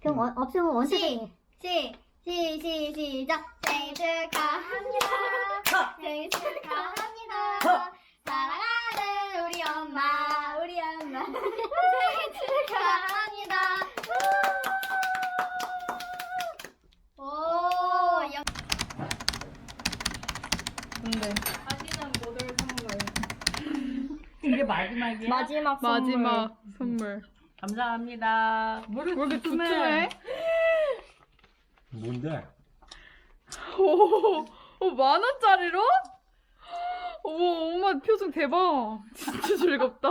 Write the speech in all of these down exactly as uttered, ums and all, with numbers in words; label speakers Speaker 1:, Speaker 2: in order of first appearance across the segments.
Speaker 1: 그럼 원, 없으면 원체
Speaker 2: 시, 시, 시, 시, 시작. 생일 축하합니다. 생일 축하합니다. 사랑하는 우리 엄마, 우리 엄마. 생일 축하합니다. 오, 영.
Speaker 3: 근데
Speaker 4: 사진은 모델 선물.
Speaker 3: 이게 마지막이야?
Speaker 2: 마지막 선물.
Speaker 3: 마지막 선물.
Speaker 4: 감사합니다.
Speaker 3: 왜 이렇게 두툼해?
Speaker 5: 뭔데?
Speaker 3: 오, 오, 만 원짜리로? 오, 엄마 표정 대박. 진짜 즐겁다.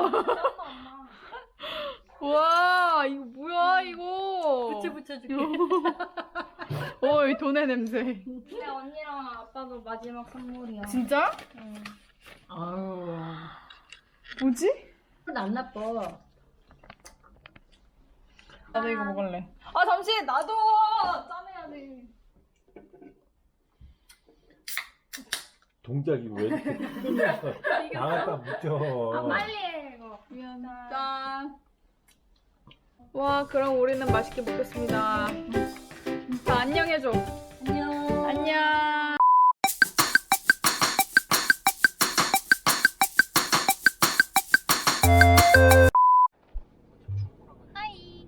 Speaker 3: 와, 이거 뭐야, 이거.
Speaker 4: 부츠 붙여줄게.
Speaker 3: 오, 이 돈의 냄새.
Speaker 2: 근데 언니랑 아빠도 마지막 선물이야.
Speaker 3: 진짜?
Speaker 2: 응.
Speaker 4: 아유.
Speaker 3: 뭐지?
Speaker 4: 안 나빠.
Speaker 3: 나도 이거 먹을래. 아, 잠시, 나도! 짜내야 돼.
Speaker 5: 동작이 왜 이렇게 끊어서 나갔다 묻혀.
Speaker 2: 아, 빨리 해, 이거.
Speaker 3: 미안. 짠. 와, 그럼 우리는 맛있게 먹겠습니다. 자, 안녕해줘.
Speaker 4: 안녕.
Speaker 3: 안녕.
Speaker 2: 하이.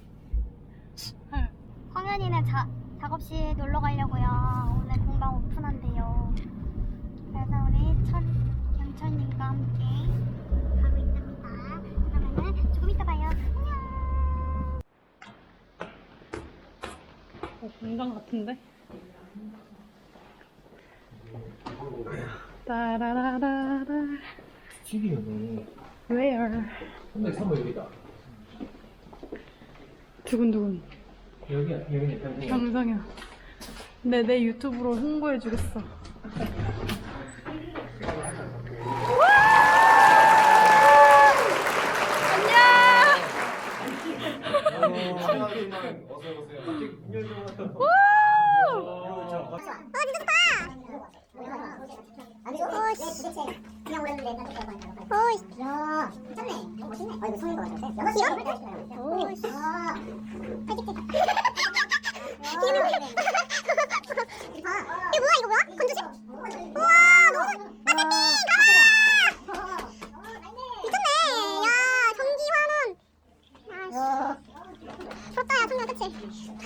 Speaker 2: 황현이네 자, 작업실 놀러 가려고요. 오늘 공방 오픈한대요. 그래서 우리 천, 경철님과 함께 가고 있답니다. 그러면은 조금 이따 봐요. 안녕.
Speaker 3: 어, 공장 같은데? 따라라라라.
Speaker 5: 튀기네.
Speaker 3: Where?
Speaker 5: 근데 선물 여기다.
Speaker 3: 두근두근.
Speaker 5: 여기야, 여기네.
Speaker 3: 영상이야. 근데 내 유튜브로 홍보해주겠어.
Speaker 2: 그냥 오랬는데 오이씨 야 괜찮네 너무 멋있네 아 이거 성인 거 같아 여섯 시간? 오이씨 아 팔집지 이거 뭐야 이거 뭐야? 건조지? 우와 너무 빠르게 가라 미쳤네 야 전기 환원 야 부럽다 야 성민아 그치?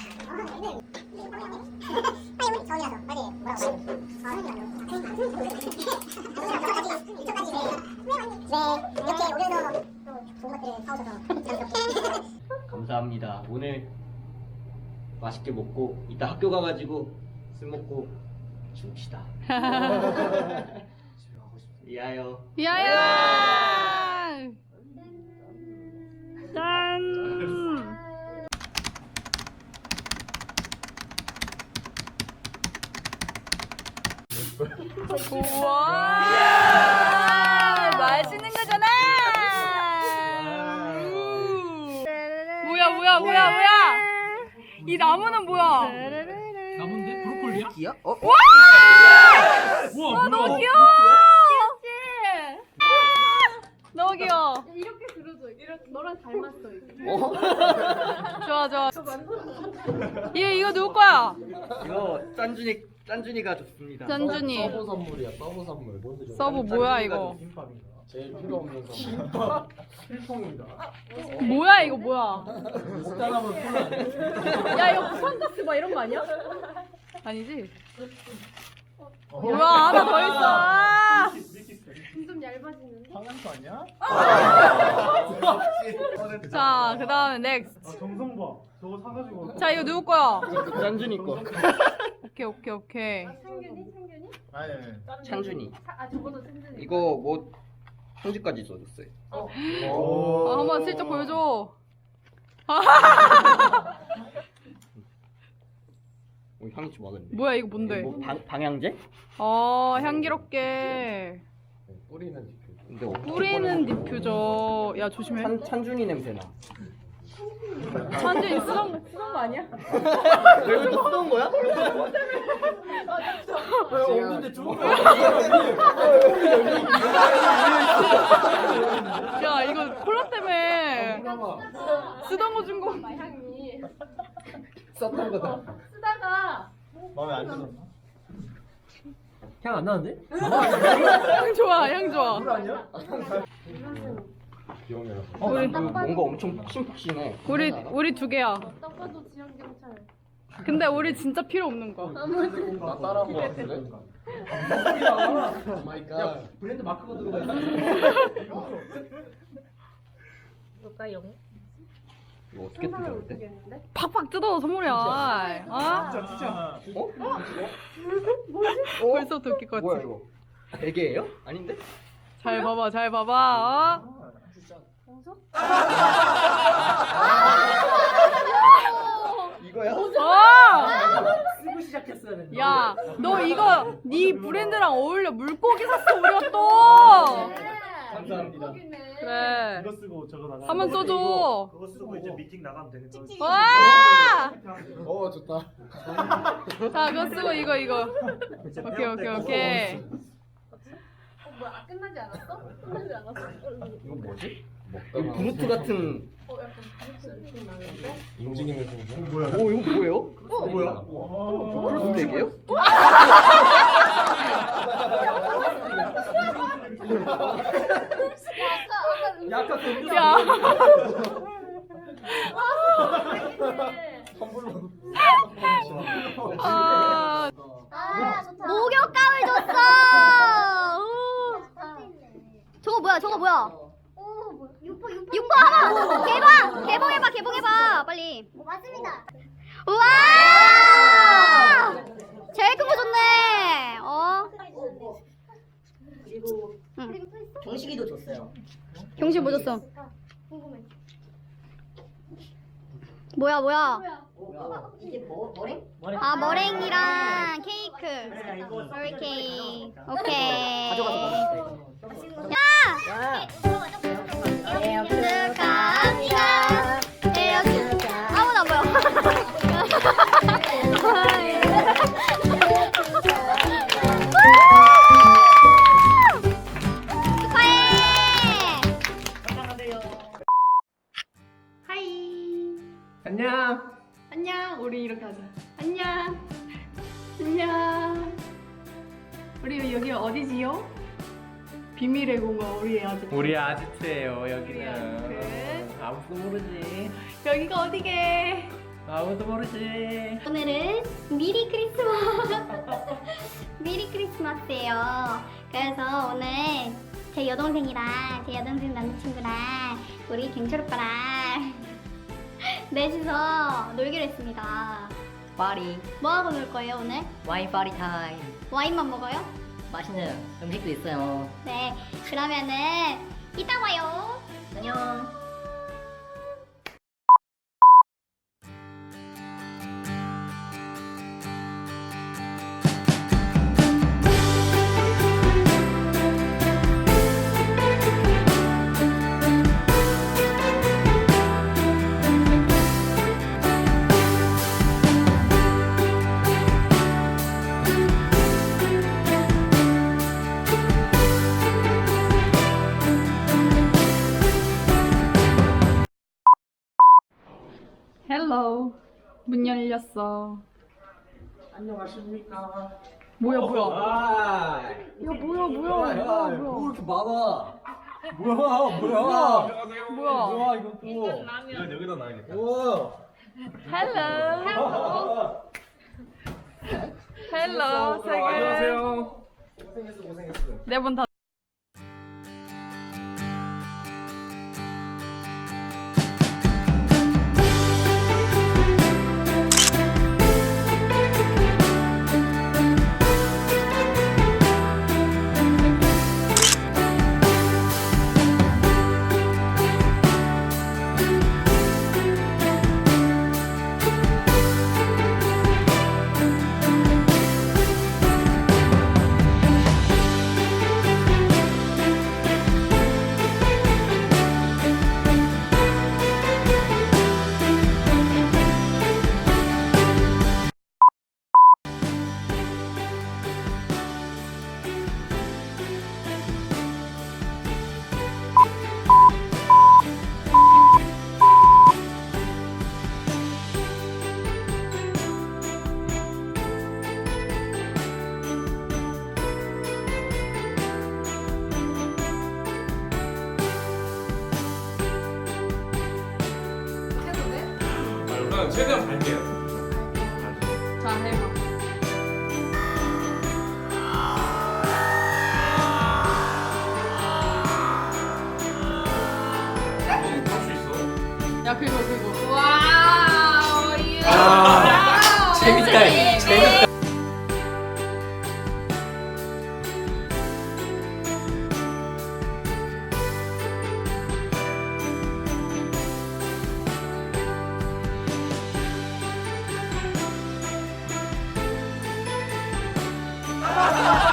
Speaker 2: 아니 우리 저기라서 빨리 뭐라고 네, 이렇게 오셔서 또 좋은 것들을 사오셔서
Speaker 6: 감사합니다. 오늘 맛있게 먹고 이따 학교 가가지고 술 먹고 죽읍시다. 이하여.
Speaker 3: 야야! 짠! 우와! 맛있는 거잖아! 우. 뭐야, 뭐야, 뭐야, 뭐야! 이 나무는 뭐야?
Speaker 5: 나무인데? 브로콜리야?
Speaker 6: 기야? 어?
Speaker 5: 우와,
Speaker 3: 와, 너무 귀여워! 너무 귀여워.
Speaker 4: 이렇게 들어줘. 이렇게 너랑 닮았어. 이게.
Speaker 6: 어?
Speaker 3: 좋아, 좋아. 얘 이거 누구 거야?
Speaker 6: 이거 짠준이 짠준이가 줬습니다.
Speaker 3: 짠준이.
Speaker 5: 서브 선물이야, 서브 선물. 뭔데 좀.
Speaker 3: 서브 뭐야 이거?
Speaker 5: 제일 필요 없는 선물. 김밥 필통이다.
Speaker 3: 뭐야 이거 뭐야?
Speaker 5: 먹다가면 콜라.
Speaker 3: 야 이거 부산가스 막 이런 거 아니야? 아니지?
Speaker 5: 어?
Speaker 3: 뭐야 하나 더 있어. 아!
Speaker 4: 좀 얇아지는데?
Speaker 5: 방한거 아니야?
Speaker 3: 자 그다음에 넥스트.
Speaker 5: 아, 정성봐. 저거 사가지고.
Speaker 3: 자 이거 누구 거야?
Speaker 6: 짠준이 거.
Speaker 3: 오케이 오케이 오케이.
Speaker 4: 창균이? 창균이?
Speaker 5: 아니,
Speaker 6: 찬준이.
Speaker 4: 아 저거도 창균이.
Speaker 6: 이거 뭐 편지까지 써줬어요.
Speaker 5: 오.
Speaker 3: 아, 한번 슬쩍 보여줘.
Speaker 6: 오, 향이 좋아하겠네.
Speaker 3: 뭐야 이거 뭔데?
Speaker 6: 뭐 방, 방향제?
Speaker 3: 어 향기롭게
Speaker 5: 뿌리는 디퓨.
Speaker 6: 근데 어떻게
Speaker 3: 뿌리는
Speaker 6: 꺼내는
Speaker 3: 디퓨저. 야 조심해.
Speaker 6: 찬, 찬준이 냄새 나.
Speaker 3: 찬준이 쓰던 거 쓰던 거 아니야?
Speaker 6: 왜 이거 또 쓰던 거야?
Speaker 5: 왜 없는데 좋은 거
Speaker 3: 야 이거 콜라 때문에 쓰던 거 준 거.
Speaker 4: 향이.
Speaker 5: 썼던 거다.
Speaker 4: 쓰다가
Speaker 1: 마음에 안 들었나?
Speaker 5: 향 안 나는데?
Speaker 3: 향 좋아, 향 좋아.
Speaker 1: 물 아니야?
Speaker 5: 기억나요.
Speaker 6: 어,
Speaker 3: 우리-
Speaker 6: 그 뭔가 엄청 푹신푹신해.
Speaker 3: 우리 우리 두 개야.
Speaker 4: 딱 봐도 지역 경찰.
Speaker 3: 근데 우리 진짜 필요 없는 거.
Speaker 5: 나 따라한 거 같은데? 오 마이 갓. 브랜드 마크가 들어가 있어.
Speaker 6: 이거 어떻게 뜯어야 돼?
Speaker 4: 모르겠는데?
Speaker 3: 팍팍 뜯어 선물이야. 어?
Speaker 1: 진짜.
Speaker 6: 어?
Speaker 3: 벌써 웃길 것
Speaker 6: 뭐야
Speaker 3: 같지?
Speaker 6: 이거? 베개예요? 아닌데?
Speaker 3: 잘 봐봐, 잘 봐봐. 어?
Speaker 6: 이거야?
Speaker 3: 어!
Speaker 1: 쓰고 시작했어야 되는데.
Speaker 3: 야, 너 이거 네 브랜드랑 어울려. 물고기 샀어 우리가 또.
Speaker 1: 감사합니다.
Speaker 3: 그래.
Speaker 7: 이거 쓰고 저거 나가.
Speaker 3: 한번 써줘.
Speaker 7: 그거 쓰고 이제 미팅 나가면 되는 거지.
Speaker 3: 와!
Speaker 5: 어 좋다.
Speaker 3: 자, 그거 쓰고 이거 이거. 오케이, 오케이, 오케이.
Speaker 4: 어 뭐야? 끝나지 않았어? 끝나지 않았어?
Speaker 6: 이거 뭐지?
Speaker 5: 먹다가
Speaker 6: 이거 브루트 같은.
Speaker 4: 어 약간 무슨 느낌 나는데?
Speaker 5: 움직이는 순간.
Speaker 7: 뭐야?
Speaker 6: 오 이거 뭐예요?
Speaker 5: 어 뭐야?
Speaker 6: 브루트 베개요?
Speaker 1: 약간 그
Speaker 3: 야. 아,
Speaker 2: 아, 좋다. 목욕감을 줬어. 우. 저거 뭐야? 저거 뭐야? 오, 뭐야? 육포, 육포. 육포 하나 개봉! 개봉해봐, 개봉해봐, 빨리. 오, 맞습니다. 우와! 제일 큰 거 줬네. 어?
Speaker 8: 그리고
Speaker 2: 응.
Speaker 8: 경식이도 줬어요.
Speaker 2: 경실 뭐 줬어?
Speaker 4: 궁금해.
Speaker 2: 뭐야, 뭐야?
Speaker 8: 뭐야? 이게 뭐 머리?
Speaker 2: 아, 머랭이랑 케이크.
Speaker 8: 그래, 이거
Speaker 2: 머리 케이크. 오케이.
Speaker 8: 가져가서 먹어.
Speaker 2: 야!
Speaker 8: 네,
Speaker 2: 축하합니다. 생일 축하. 아무도 안 보여. 축하해.
Speaker 3: 하이.
Speaker 5: 안녕.
Speaker 3: 안녕. 우리 이렇게 하자. 안녕. 안녕. 우리 여기 어디지요? 비밀의 공간 우리의 아직.
Speaker 5: 우리 아지트예요
Speaker 3: 우리
Speaker 5: 여기는.
Speaker 3: 아지트.
Speaker 5: 아무도 모르지.
Speaker 3: 여기가 어디게?
Speaker 5: 아무도 모르지.
Speaker 2: 오늘은 미리 크리스마스. 미리 크리스마스예요. 그래서 오늘 제 여동생이랑 제 여동생 남자친구랑 우리 경철 오빠랑 넷이서 놀기로 했습니다.
Speaker 8: 파리,
Speaker 2: 뭐 하고 놀 거예요 오늘?
Speaker 8: 와인 파리 타임.
Speaker 2: 와인만 먹어요?
Speaker 8: 맛있는 음식도 있어요.
Speaker 2: 네. 그러면은 이따 봐요.
Speaker 8: 안녕.
Speaker 3: 헬로. 문 열렸어.
Speaker 5: 안녕하십니까.
Speaker 3: 뭐야 뭐야?
Speaker 5: 아.
Speaker 3: 야 뭐야 뭐야 뭐야 뭐야?
Speaker 5: 이렇게 많아. 뭐야 뭐야.
Speaker 3: 뭐야?
Speaker 5: 뭐야 이거 또.
Speaker 7: 이건 여기다 놔야겠다.
Speaker 5: 우와.
Speaker 3: 헬로. 헬로. 세계.
Speaker 5: 안녕하세요. 고생했어 고생했어.
Speaker 3: 네번 다.
Speaker 5: 최대한 갈게요.
Speaker 3: 자, 해봐.
Speaker 5: 할수 있어.
Speaker 3: 야, 그거, 그거. 와우, 유.
Speaker 6: 아, 재밌다, 재밌다.
Speaker 3: 아,